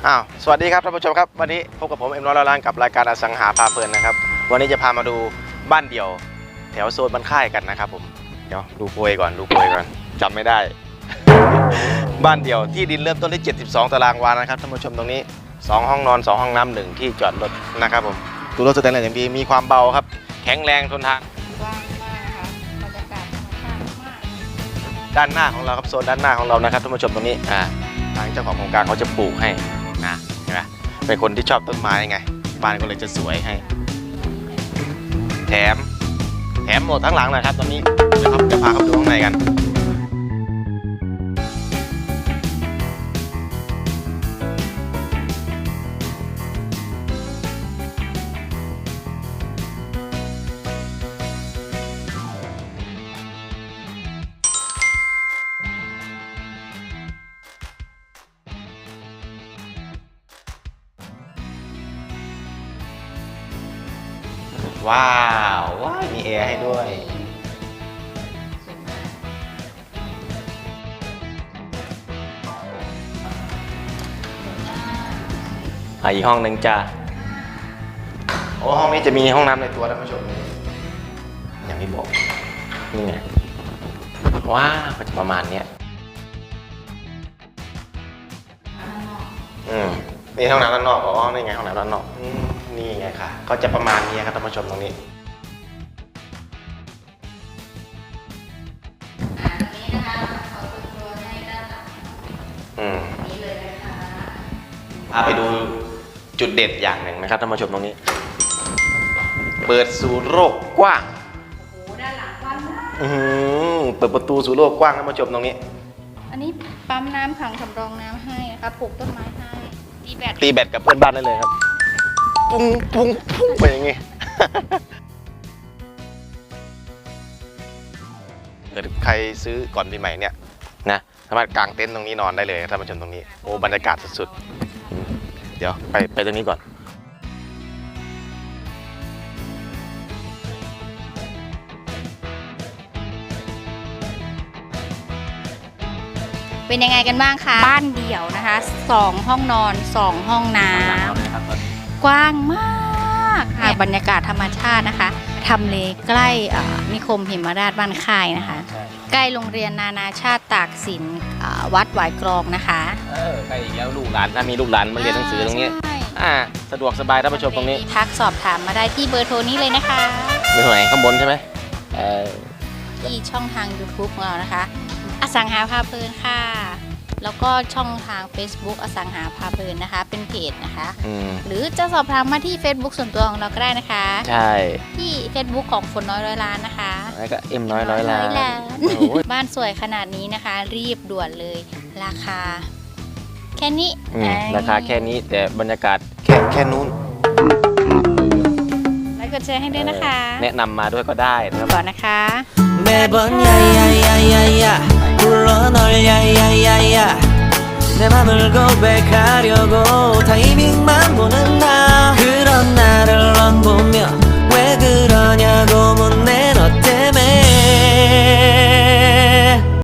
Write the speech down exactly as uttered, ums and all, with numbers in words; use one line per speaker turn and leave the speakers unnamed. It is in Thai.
อ้าวสวัสดีครับท่านผู้ชมครับวันนี้พบกับผมเอ็มร้อยล้านกับรายการอสังหาพาเพลินนะครับวันนี้จะพามาดูบ้านเดี่ยวแถวโซนบ้านค่ายกันนะครับผมเดี๋ยวดูโพยก่อนดูโพยก่อนจำไม่ได้ บ้านเดี่ยวที่ดินเริ่มต้นที่เจ็ดสิบสองตารางวานะครับท่านผู้ชมตรงนี้สองห้องนอนสองห้องน้ำหนึ่งที่จอดรถนะครับผมตัวรถสแตนเลสอย่างดีมีความเบาครับแข็งแรงทนทาน
กว้างมากนะคะบรรยากาศธรรมชาติมาก
ด้านหน้าของเราครับโซนด้านหน้าของเรานะครับท่านผู้ชมตรงนี้อ่าทางเจ้าของโครงการเขาจะปลูกให้นะเห็นไหมเป็นคนที่ชอบต้นไม้ไงบ้านก็เลยจะสวยให้แถมแถมหมดทั้งหลังนะครับตอนนี้เดี๋ยวครับจะพาเข้าไปดูข้างในกันว้าวว้าวมีแอร์ให้ด้วยอีกห้องหนึ่งจ้าโอ้ห้องนี้จะมีห้องน้ำในตัวท่านผู้ชมอย่างที่บอกนี่ไงว้าวก็จะประมาณเนี้ยอืมนี่ห้องน้ำด้านนอกอ๋อนี่ไงห้องน้ำด้านนอกนี่ไงค่ะก็จะประมาณนี้ครับท่านผู้ชมตรงนี้อืมพาไปดูจุดเด่นอย่างหนึ่งนะครับท่านผู้ชมตรงนี้เปิดสู่โลกกว้าง
โอ้โหด้านหลังกว้างมาก
อืมเปิดประตูสู่โลกกว้างท่านผู้ชมตรงนี้
อันนี้ปั๊มน้ำขังสำรองน้ำให้นะคะปลูกต้นไม้ให้ตีแบต
ตีแบตกับเพื่อนบ้านได้เลยครับปุ้งปุ้งปุ้งไปอย่างงี้เกิดใครซื้อก่อนปีใหม่เนี่ยนะสามารถกางเต็นท์ตรงนี้นอนได้เลยท่านผู้ชมตรงนี้โอ้บรรยากาศสุดๆเดี๋ยวไปไปตรงนี้ก่อน
เป็นยังไงกันบ้างคะบ้านเดี่ยวนะคะสองห้องนอนสองห้องน้ำกว้างมากค่ะบรรยากาศธรรมชาตินะคะทำเลใกล้นิคมหิมราชบ้านค่ายนะคะใกล้โรงเรียนนานาชาติตากสินวัดหวายกรองนะคะ
เออใกล้อีกแล้วลูกหลานถ้ามีลูกหลานมาเรียนหนังสือตรงนี้อ่าสะดวกสบายท่านผู้ชมตรงนี้
ทักสอบถามมาได้ที่เบอร์โทรนี้เลยนะคะ
เบอร์ไหนข้างบนใช่ไหมเออ
ที่ช่องทาง ยูทูบ ของเรานะคะอสังหาพาเพลินค่ะแล้วก็ช่องทาง เฟซบุ๊ก อสังหาพาเพลินนะคะเป็นเพจนะคะหรือจะสอบถามมาที่ เฟซบุ๊ก ส่วนตัวของเราก็ได้นะคะ
ใช่
ที่ เฟซบุ๊ก ของฝนน้อยร้อยล้านนะคะ
แล้วก็เอ็มน้อยร้อยล้าน
บ้านสวยขนาดนี้นะคะรีบด่วนเลยราคาแค่นี้
ราคาแค่นี้แต่บรรยากาศแค่แค่นู้น
ไลค์กดแชร์ให้ด้วยนะคะ
แนะนำมาด้วยก็ได้นะครับ
ก่อนนะคะ
내맘을고백하려고타이밍만보는나그런나를넌보며왜그러냐고묻는